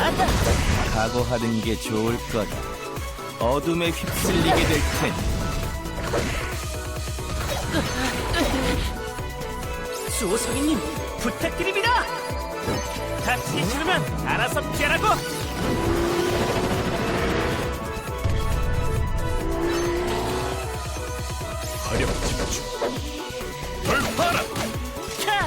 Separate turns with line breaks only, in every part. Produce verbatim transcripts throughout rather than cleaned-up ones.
각오하는 게 좋을 거다. 어둠에 휩쓸리게 될 테니.
수호성이님 부탁드립니다. 다치기 싫으면 알아서 피하라고.
화력 집중. 돌파라.
캬!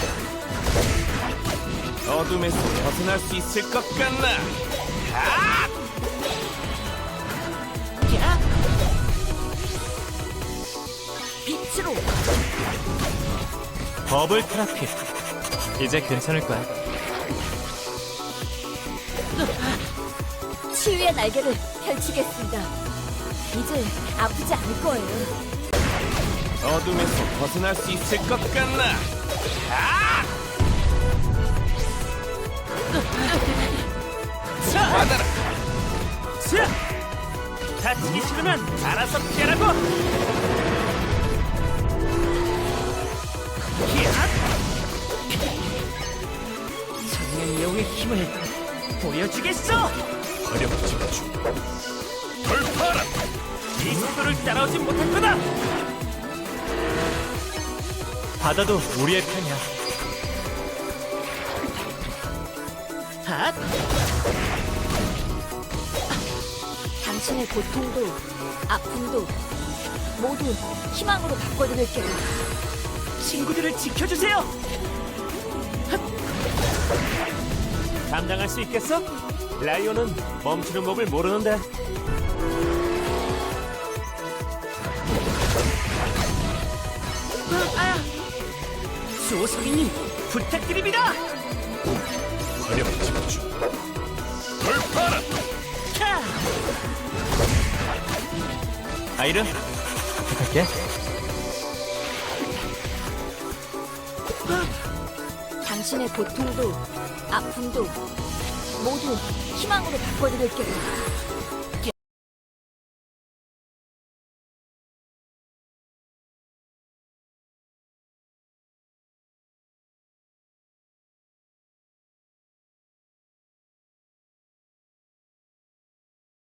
어둠에서 벗어날 수 있을 것 같나? 아!
야! 빛으로
버블 테라피. 이제 괜찮을 거야.
치유의 날개를 펼치겠습니다. 이제 아프지 않을 거예요.
어둠에서 벗어날 수 있을 것 같나? 아!
자!
받아라.
자! 다치기 싫으면 알아서 피하라고. 야! 청년용의 힘을 보여주겠어.
화력 집중. 돌파라.
이 속도를 따라오지 못할 거다.
바다도 우리의 편이야.
핫!
당신의 고통도 아픔도 모두 희망으로 바꿔드릴게요.
친구들을 지켜주세요. 핫! 감당할 수 있겠어? 라이온은 멈추는 법을 모르는데. 아! 수호성이님 부탁드립니다.
화력 집중. 돌파라.
캬!
아이른, 부탁할게.
당신의 고통도 아픔도 모두 희망으로 바꿔드릴게요.